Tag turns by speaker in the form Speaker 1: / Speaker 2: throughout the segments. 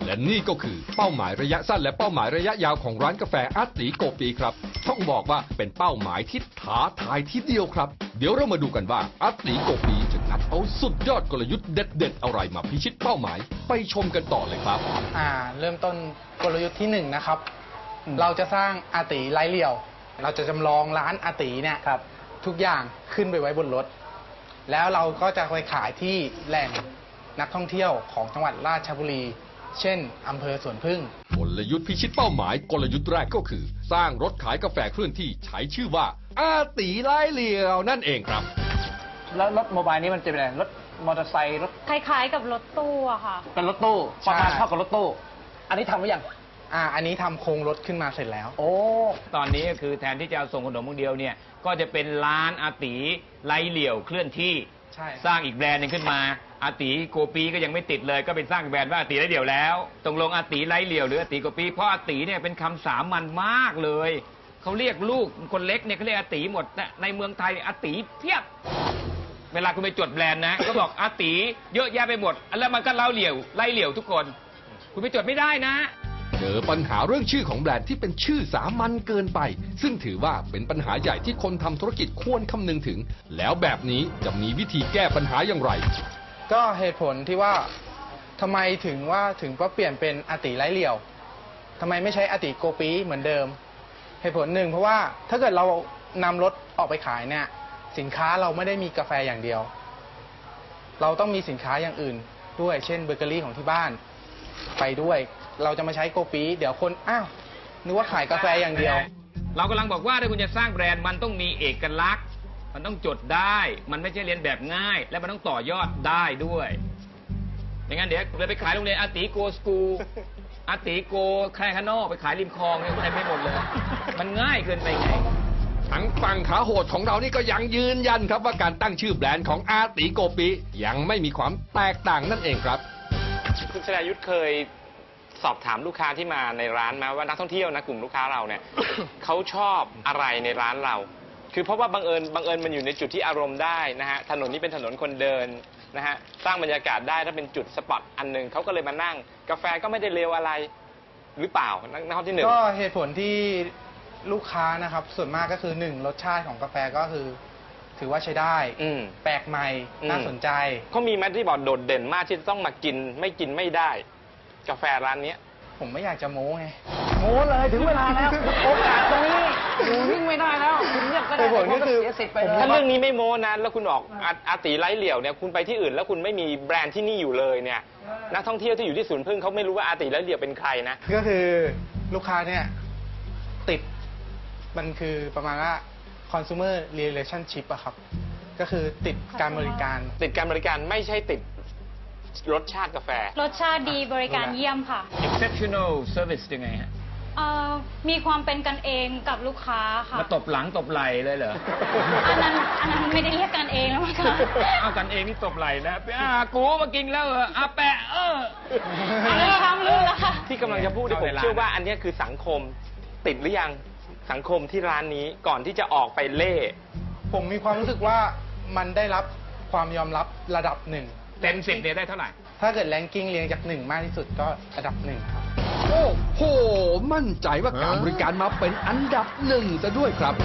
Speaker 1: และนี่ก็คือเป้าหมายระยะสั้นและเป้าหมายระยะยาวของร้านกาแฟอาตีโกปีครับต้องบอกว่าเป็นเป้าหมายที่ท้าทายทีเดียวครับเดี๋ยวเรามาดูกันว่าอาตีโกปีจะงัดเอาสุดยอดกลยุทธ์เด็ดๆอะไรมาพิชิตเป้าหมายไปชมกันต่อเลยครับ
Speaker 2: เริ่มต้นกลยุทธ์ที่1นะครับเราจะสร้างอาตีไร้เหลี่ยวเราจะจำลองร้านอาตีเนี่ยทุกอย่างขึ้นไปไว้บนรถแล้วเราก็จะไปขายที่แหล่งนักท่องเที่ยวของจังหวัดราชบุรีเช่นอำเภอสวนพึ่ง
Speaker 1: กลยุทธ์พิชิตเป้าหมายกลยุทธ์แรกก็คือสร้างรถขายกาแฟเคลื่อนที่ใช้ชื่อว่าอาตีไร้เหลี่ยวนั่นเองครับ
Speaker 3: แล้วรถโมบายนี้มันจะเป็นอะไรรถมอเตอร์ไซค์รถ
Speaker 4: คล้ายๆกับรถตู้อะค่ะ
Speaker 3: เป็นรถตู้ประมาณเท่ากับรถตู้อันนี้ทำหรือยัง
Speaker 2: อันนี้ทำโครงรถขึ้นมาเสร็จแล้ว
Speaker 3: โอ้ตอนนี้ก็คือแทนที่จะเอาส่งขนมมือเดียวเนี่ยก็จะเป็นร้านอาตีไร้เหลี่ยวเคลื่อนที่สร้างอีกแบรนด์หนึงขึ้นมาอาตีโกปีก็ยังไม่ติดเลยก็เป็นสร้างแบรนด์ว่าอาตีไร้เหลี่ยวแล้วตรงลงอาตีไร้เหลี่ยวหรืออาตีโกปีเพราะอาตีเนี่ยเป็นคำสามัญมากเลยเขาเรียกลูกคนเล็กเนี่ยเขาเรียกอาตีหมดในเมืองไทยอาตีเพียบเวลาคุณไปจดแบรนด์นะก็บอกอาตีเยอะแยะไปหมดแล้วมันก็ไร้เหลี่ยวทุกคนคุณไปจดไม่ได้นะ
Speaker 1: เจอปัญหาเรื่องชื่อของแบรนด์ที่เป็นชื่อสามัญเกินไปซึ่งถือว่าเป็นปัญหาใหญ่ที่คนทำธุรกิจควรคำนึงถึงแล้วแบบนี้จะมีวิธีแก้ปัญหาอย่างไร
Speaker 2: ก็เหตุผลที่ว่าทำไมถึงว่าเปลี่ยนเป็นอาตีไร้เหลี่ยวทำไมไม่ใช้อาตีโกปีเหมือนเดิมเหตุผลหนึ่งเพราะว่าถ้าเกิดเรานำรถออกไปขายเนี่ยสินค้าเราไม่ได้มีกาแฟอย่างเดียวเราต้องมีสินค้าอย่างอื่นด้วยเช่นเบเกอรี่ของที่บ้านไปด้วยเราจะมาใช้โกปีเดี๋ยวคนนึกว่าขายกาแฟอย่างเดียว
Speaker 3: เรากำลังบอกว่าถ้าคุณจะสร้างแบรนด์มันต้องมีเอกลักษณ์มันต้องจดได้มันไม่ใช่เรียนแบบง่ายและมันต้องต่อยอดได้ด้วยอย่างนั้นเดี๋ยวเลยไปขายโรงเรียนอาตีโกสกูลอาตีโกแคลคาโนไปขายริมคลองเนี่ยคุณได้ไม่หมดเลยมันง่ายเกินไปไง
Speaker 1: ทั้งฝั่งขาโหดของเรานี่ก็ยังยืนยันครับว่าการตั้งชื่อแบรนด์ของอาตีโกปียังไม่มีความแตกต่างนั่นเองครับ
Speaker 5: คุณชนายุทธเคยสอบถามลูกค้าที่มาในร้านมาว่านักท่องเที่ยวนะกลุ่มลูกค้าเราเนี่ย เขาชอบอะไรในร้านเราคือเพราะว่าบังเอิญมันอยู่ในจุดที่อารมณ์ได้นะฮะถนนนี้เป็นถนนคนเดินนะฮะสร้างบรรยากาศได้ถ้าเป็นจุดสปอตอันหนึ่งเขาก็เลยมานั่งกาแฟก็ไม่ได้เลวอะไรหรือเปล่านักท่องที่หนึ่ง
Speaker 2: ก็เหตุผลที่ลูกค้านะครับส่วนมากก็คือ1รสชาติของกาแฟก็คือถือว่าใช้ได้แปลกใหม่น่าสนใจ
Speaker 5: เขามีแมทที่บอกโดดเด่นมากที่ต้องมากินไม่ได้กาแฟร้านนี้
Speaker 2: ผมไม่อยากจะโม้ไง
Speaker 3: โม้เลยถึงเวลาแล้วโอกาสตรงนี้อยู่วิ่งไม่ได้แล้วคุณเลือกก็ได้
Speaker 2: ผลก็คือ
Speaker 5: ถ้าเรื่องนี้ไม่โม้นะแล้วคุณออกอาตีไร้เหลี่ยวเนี่ยคุณไปที่อื่นแล้วคุณไม่มีแบรนด์ที่นี่อยู่เลยเนี่ยนักท่องเที่ยวที่อยู่ที่สวนพึ่งเขาไม่รู้ว่าอาตีไร้เหลี่ยวเป็นใครนะ
Speaker 2: ก็คือลูกค้าเนี่ยติดมันคือประมาณว่า consumer relationship อะครับก็คือติดการบริการ
Speaker 5: ไม่ใช่ติดรสชาติกาแฟ
Speaker 4: รสชาติดีบริการเยี่ยมค่ะ
Speaker 3: exceptional service ยังไงฮะ
Speaker 4: มีความเป็นกันเองกับลูกค้าค่ะ
Speaker 3: มาตบหลังตบไหล่เลยเหรอ
Speaker 4: อันนั้นไม่ได้เรียกกันเองแล้วมั้งคะ
Speaker 3: เอากันเองนี่ตบไหล่นะกูมากินแล้วแปะ
Speaker 4: ทำรู้แล้วค่ะ
Speaker 5: ที่กำลังจะพูดผมเชื่อว่าอันนี้คือสังคมติดหรือยังสังคมที่ร้านนี้ก่อนที่จะออกไปเล่
Speaker 2: ผมมีความรู้สึกว่ามันได้รับความยอมรับระดับ1
Speaker 3: เต็ม10เนี่ยได้เท่าไหร่
Speaker 2: ถ้าเกิดแรงกิ้งเรียงจาก1มากที่สุดก็ระดับ1ครับ
Speaker 1: โอ้โหมั่นใจว่าการบริการมาเป็นอันดับ1ซะด้วยครับ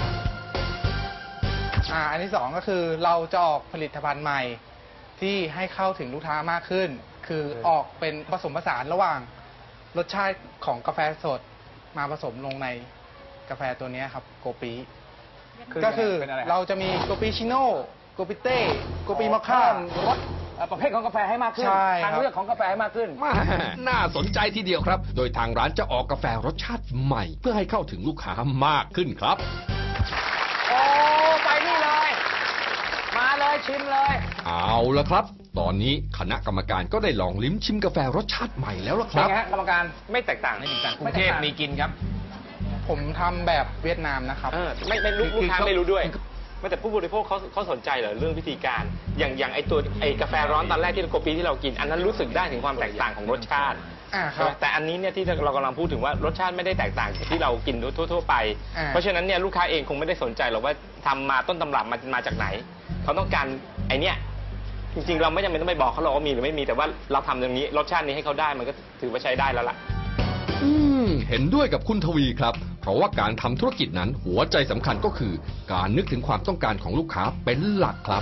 Speaker 2: อันที่2ก็คือเราจะออกผลิตภัณฑ์ใหม่ที่ให้เข้าถึงลูกค้ามากขึ้นคือออกเป็นผสมผสานระหว่างรสชาติของกาแฟสดมาผสมลงในกาแฟตัวนี้ครับโกปีก็คือเราจะมีโกปิชิโน่โกปิเต้โกปีมอคค่ารส
Speaker 3: ประเภทของกาแฟให้มากขึ้นทางเลือกของกาแฟให้มากขึ้น
Speaker 1: น่าสนใจทีเดียวครับโดยทางร้านจะออกกาแฟรสชาติใหม่เพื่อให้เข้าถึงลูกค้ามากขึ้นครับ
Speaker 3: โอ้ไปนี่เลยมาเลยชิมเลย
Speaker 1: เอาละครับตอนนี้คณะกรรมการก็ได้ลองลิ้มชิมกาแฟรสชาติใหม่แล้วล่ะครับ
Speaker 3: เป็นไงกรรมการ
Speaker 5: ไม่แตกต่าง
Speaker 3: กรุงเทพมีกินครับ
Speaker 2: ผมทำแบบเวียดนามนะครับ
Speaker 5: ไม่ลูกค้าไม่รู้ด้วยแต่ผู้บริโภคเขาสนใจเหรอเรื่องวิธีการอย่างไอ้กาแฟร้อนตอนแรกที่โกปีที่เรากินอันนั้นรู้สึกได้ถึงความแตกต่างของรสชาติแต่อันนี้เนี่ยที่เรากำลังพูดถึงว่ารสชาติไม่ได้แตกต่างจากที่เรากินทั่วไปเพราะฉะนั้นเนี่ยลูกค้าเองคงไม่ได้สนใจหรอกว่าทำมาต้นตำรับมาจากไหนเขาต้องการไอเนี้ยจริงๆเราไม่จำเป็นต้องไปบอกเขาหรอกว่ามีหรือไม่มีแต่ว่าเราทำอย่างนี้รสชาตินี้ให้เขาได้มันก็ถือว่าใช้ได้แล้วล่ะ
Speaker 1: เห็นด้วยกับคุณทวีครับ เพราะว่าการทำธุรกิจนั้นหัวใจสำคัญก็คือ การนึกถึงความต้องการของลูกค้าเป็นหลักครับ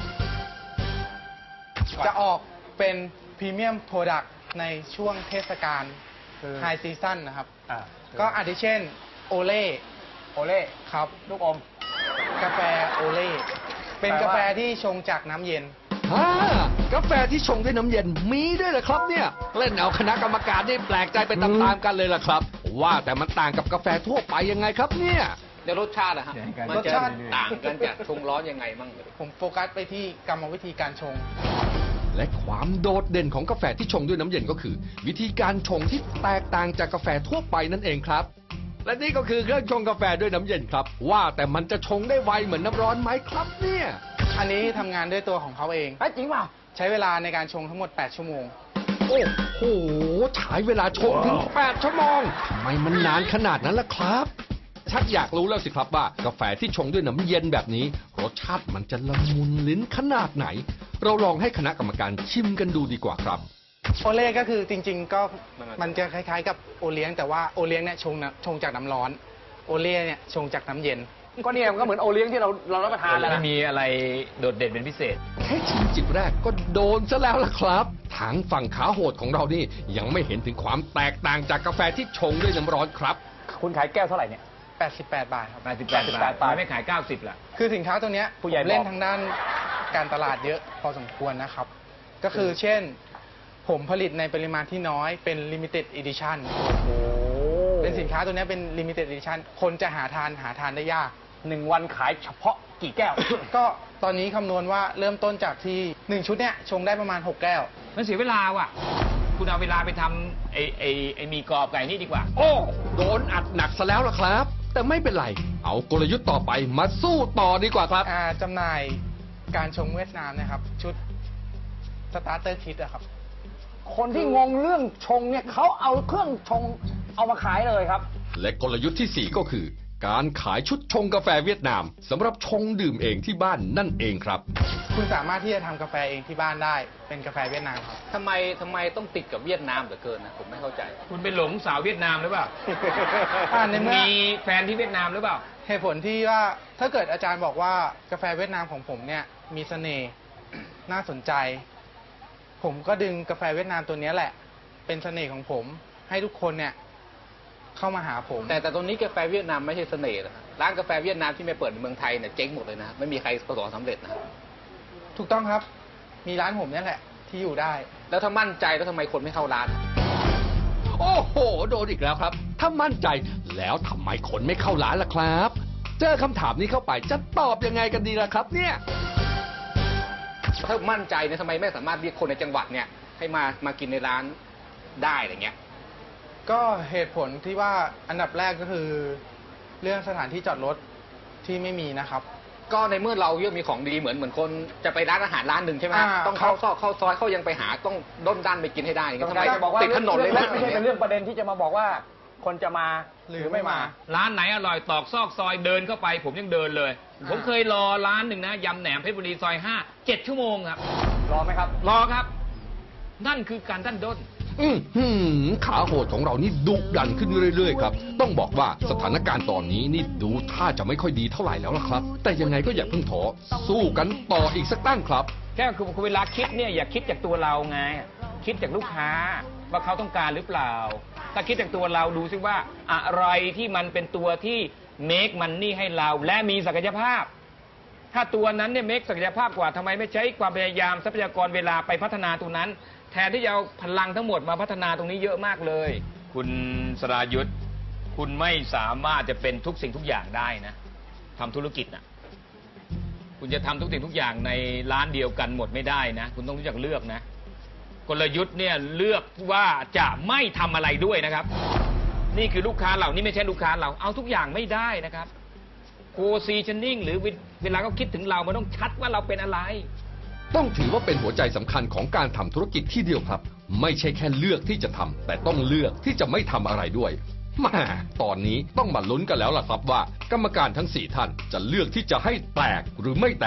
Speaker 2: จะออกเป็นพรีเมียมโปรดักต์ในช่วงเทศกาลไฮซีซั่นนะครับ ก็อาทิเช่นโอเล่ครับลูกอมกาแฟโอเล่เป็นกาแฟที่ชงจากน้ำเย็น
Speaker 1: กาแฟที่ชงด้วยน้ำเย็นมีด้วยเหรอครับเนี่ย เล่นเอาคณะกรรมการได้แปลกใจไปตามๆกันเลยล่ะครับ ว่าแต่มันต่างกับกาแฟทั่วไปยังไงครับเนี่ย
Speaker 6: เดี๋ยวรสชาติอะฮะมัน
Speaker 2: รส
Speaker 6: จะ
Speaker 2: ชาติ
Speaker 6: ต่างกันจากชงร้อนยังไงบ้าง
Speaker 2: ผมโฟกัสไปที่กรรมวิธีการชง
Speaker 1: และความโดดเด่นของกาแฟที่ชงด้วยน้ำเย็นก็คือ วิธีการชงที่แตกต่างจากกาแฟทั่วไปนั่นเองครับ และนี่ก็คือเครื่องชงกาแฟด้วยน้ำเย็นครับ ว่าแต่มันจะชงได้ไวเหมือนน้ำร้อนไหมครับเนี่ย
Speaker 2: อันนี้ทำงานด้วยตัวของเขาเอง
Speaker 6: จริงเปล่า
Speaker 2: ใช้เวลาในการชงทั้งหมด 8 ชั่วโมง
Speaker 1: โอ้โหใช้เวลาชงถึง 8 ชั่วโมงทำไมมันนานขนาดนั้นล่ะครับ ชักอยากรู้แล้วสิครับว่ากาแฟที่ชงด้วยน้ำเย็นแบบนี้ รสชาติมันจะละมุนลิ้นขนาดไหน เราลองให้คณะกรรมการชิมกันดูดีกว่าครับ
Speaker 2: โอเล่ก็คือจริง ๆ ก็มันจะคล้ายๆกับโอเลี้ยงแต่ว่าโอเลี้ยงเนี่ยชงจากน้ำร้อน โอเล่เนี่ยชงจากน้ำเย็น
Speaker 6: ก็เนี่ยมันก็เหมือนโอเลี้ยงที่เรารับประทานแล้ว
Speaker 3: ไม่
Speaker 6: นะ
Speaker 3: มีอะไรโดดเด่นเป็นพิเศษ
Speaker 1: แค่ชิมจิบแรกก็โดนซะแล้วล่ะครับทางฝั่งขาโหดของเรานี่ยังไม่เห็นถึงความแตกต่างจากกาแฟที่ชงด้วยน้ำร้อนครับ
Speaker 6: คุณขายแก้วเท่าไหร่เนี่ย
Speaker 2: 88 บาทครับ
Speaker 3: 88 บาททำไมไม่ขาย 90 ล่ะ
Speaker 2: คือสินค้าตัวเนี้ย
Speaker 6: ผู้ใหญ่
Speaker 2: ผมเล่
Speaker 6: บ
Speaker 2: น
Speaker 6: อก
Speaker 2: ทางด้านการตลาดเยอะพอสมควรนะครับ ก็คือเช่น ผมผลิตในปริมาณที่น้อยเป็น limited edition เป็นสินค้าตัวเนี้ยเป็น limited edition คนจะหาทานได้ยาก
Speaker 6: 1 วันขายเฉพาะกี่แก้ว
Speaker 2: ก็ตอนนี้คำนวณว่าเริ่มต้นจากที่ 1 ชุดเนี้ยชงได้ประมาณ 6 แก้ว
Speaker 3: มันเสียเวลาว่ะ คุณเอาเวลาไปทำไอ้หมีกรอบไก่นี่ดีกว่า
Speaker 1: โอ้โดนอัดหนักซะแล้วล่ะครับ แต่ไม่เป็นไร เอากลยุทธ์ต่อไปมาสู้ต่อดีกว่าครับ
Speaker 2: จำหน่ายการชงเวียดนามนะครับ ชุดสตาร์เตอร์คิดอะครับ
Speaker 6: คนที่งงเรื่องชงเนี่ยเขาเอาเครื่องชงเอามาขายเลยครับ
Speaker 1: และกลยุทธ์ที่ 4 ก็คือ การขายชุดชงกาแฟเวียดนามสำหรับชงดื่มเองที่บ้านนั่นเองครับ
Speaker 2: คุณสามารถที่จะทำกาแฟเองที่บ้านได้เป็นกาแฟเวียดนามครับ
Speaker 6: ทำไมต้องติดกับเวียดนามเหลือเกินนะผมไม่เข้าใจ
Speaker 3: คุณไปหลงสาวเวียดนามหรือเปล่า
Speaker 2: ในเมื่อ
Speaker 3: มีแฟนที่เวียดนามหรือเปล่า
Speaker 2: เหตุผลที่ว่าถ้าเกิดอาจารย์บอกว่ากาแฟเวียดนามของผมเนี่ยมีเสน่ห์ น่าสนใจ ผมก็ดึงกาแฟเวียดนามตัวเนี้ยแหละ เป็นเสน่ห์ของผมให้ทุกคนเนี่ยเข้ามาหาผม
Speaker 6: แต่ตรงนี้กาแฟเวียดนามไม่ใช่เสน่ห์นะร้านกาแฟเวียดนามที่ไม่เปิดในเมืองไทยเนี่ยเจ๊งหมดเลยนะไม่มีใครประสบความสำเร็จนะ
Speaker 2: ถูกต้องครับ มีร้านผมเนี่ยแหละที่อยู่ได้
Speaker 6: แล้วถ้ามั่นใจแล้วทำไมคนไม่เข้าร้าน
Speaker 1: โอ้โห โดนอีกแล้วครับ ถ้ามั่นใจแล้วทำไมคนไม่เข้าร้านล่ะครับ เจอคำถามนี้เข้าไปจะตอบยังไงกันดีล่ะครับเนี่ย
Speaker 6: ถ้ามั่นใจเนี่ยทำไมไม่สามารถเรียกคนในจังหวัดเนี่ยให้มากินในร้านได้อะไรเงี้ย
Speaker 2: ก็เหตุผลที่ว่าอันดับแรกก็คือเรื่องสถานที่จอดรถที่ไม่มีนะครับ
Speaker 6: ก็ในเมื่อเราเยอะมีของดีเหมือนคนจะไปร้านอาหารร้านหนึ่งใช่ไหม ต้องเข้าซอยเข้ายังไปหาต้องด้นด้านไปกินให้ได้ทำไมติดถนนเลยนะ
Speaker 7: ไม่ใช่เป็นเรื่องประเด็นที่จะมาบอกว่าคนจะมาหรือไม่มา
Speaker 3: ร้านไหนอร่อยตอกซอกซอยเดินเข้าไป ผมยังเดินเลย ผมเคยรอร้านหนึ่งนะยำแหนมเพชรบุรีซอย 5 7 ชั่วโมงครับ
Speaker 7: รอไหมครับ
Speaker 3: รอครับ นั่นคือการดันด้น
Speaker 1: ขาโหดของเรานี่ดุดันขึ้นเรื่อยๆครับ ต้องบอกว่าสถานการณ์ตอนนี้นี่ดูท่าจะไม่ค่อยดีเท่าไหร่แล้วล่ะครับ แต่ยังไงก็อย่าเพิ่งท้อสู้กันต่ออีกสักตั้งครับ
Speaker 3: แค่คือเวลาคิดเนี่ยอย่าคิดจากตัวเราไง คิดจากลูกค้าว่าเขาต้องการหรือเปล่า ถ้าคิดจากตัวเราดูซิว่าอะไรที่มันเป็นตัวที่ make money ให้เราและมีศักยภาพ ถ้าตัวนั้นเนี่ย make ศักยภาพกว่าทำไมไม่ใช้ความพยายามทรัพยากรเวลาไปพัฒนาตัวนั้น แทนที่จะเอาพลังทั้งหมดมาพัฒนาตรงนี้เยอะมากเลย คุณสรายุทธคุณไม่สามารถจะเป็นทุกสิ่งทุกอย่างได้นะทำธุรกิจนะคุณจะทำทุกสิ่งทุกอย่างในร้านเดียวกันหมดไม่ได้นะ คุณต้องรู้จักเลือกนะ กลยุทธ์เนี่ยเลือกว่าจะไม่ทำอะไรด้วยนะครับ นี่คือลูกค้าเรานี่ไม่ใช่ลูกค้าเราเอาทุกอย่างไม่ได้นะครับโ positioning หรือเวลาเขาคิดถึงเรามันต้องชัดว่าเราเป็นอะไร
Speaker 1: ต้องถือว่าเป็นหัวใจสำคัญของการทำธุรกิจที่เดียวครับ ไม่ใช่แค่เลือกที่จะทำแต่ต้องเลือกที่จะไม่ทำอะไรด้วยแม่ตอนนี้ต้องมาลุ้นกันแล้วล่ะครับว่ากรรมการทั้ง 4 ท่านจะเลือกที่จะให้แตกหรือไม่แตก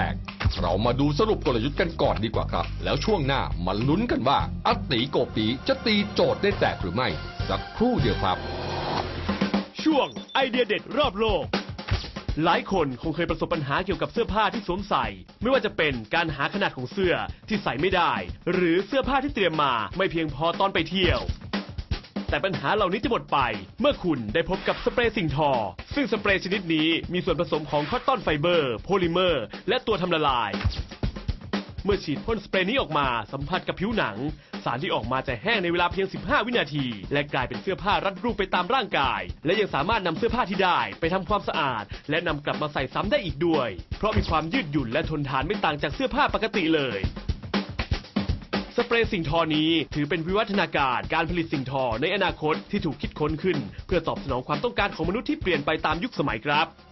Speaker 1: เรามาดูสรุปกลยุทธ์กันก่อนดีกว่าครับ แล้วช่วงหน้ามาลุ้นกันว่าอัตติโกปีจะตีโจทย์ได้แตกหรือไม่ สักครู่เดียวครับ
Speaker 8: ช่วงไอเดียเด็ดรอบโลก หลายคนคงเคยประสบปัญหาเกี่ยวกับเสื้อผ้าที่สวมใส่ ไม่ว่าจะเป็นการหาขนาดของเสื้อที่ใส่ไม่ได้ หรือเสื้อผ้าที่เตรียมมาไม่เพียงพอตอนไปเที่ยว แต่ปัญหาเหล่านี้จะหมดไปเมื่อคุณได้พบกับสเปรย์สิ่งทอซึ่งสเปรย์ชนิดนี้มีส่วนผสมของคอตตอนไฟเบอร์โพลิเมอร์และตัวทำละลาย เมื่อฉีดพ่นสเปรย์นี้ออกมาสัมผัสกับผิวหนังสารที่ออกมาจะแห้งในเวลาเพียง15วินาทีและกลายเป็นเสื้อผ้ารัดรูปไปตามร่างกายและยังสามารถนำเสื้อผ้าที่ได้ไปทำความสะอาดและนำกลับมาใส่ซ้ำได้อีกด้วยเพราะมีความยืดหยุ่นและทนทานไม่ต่างจากเสื้อผ้าปกติเลยสเปรย์สิ่งทอนี้ถือเป็นวิวัฒนาการผลิตสิ่งทอในอนาคตที่ถูกคิดค้นขึ้นเพื่อตอบสนองความต้องการของมนุษย์ที่เปลี่ยนไปตามยุคสมัยครับ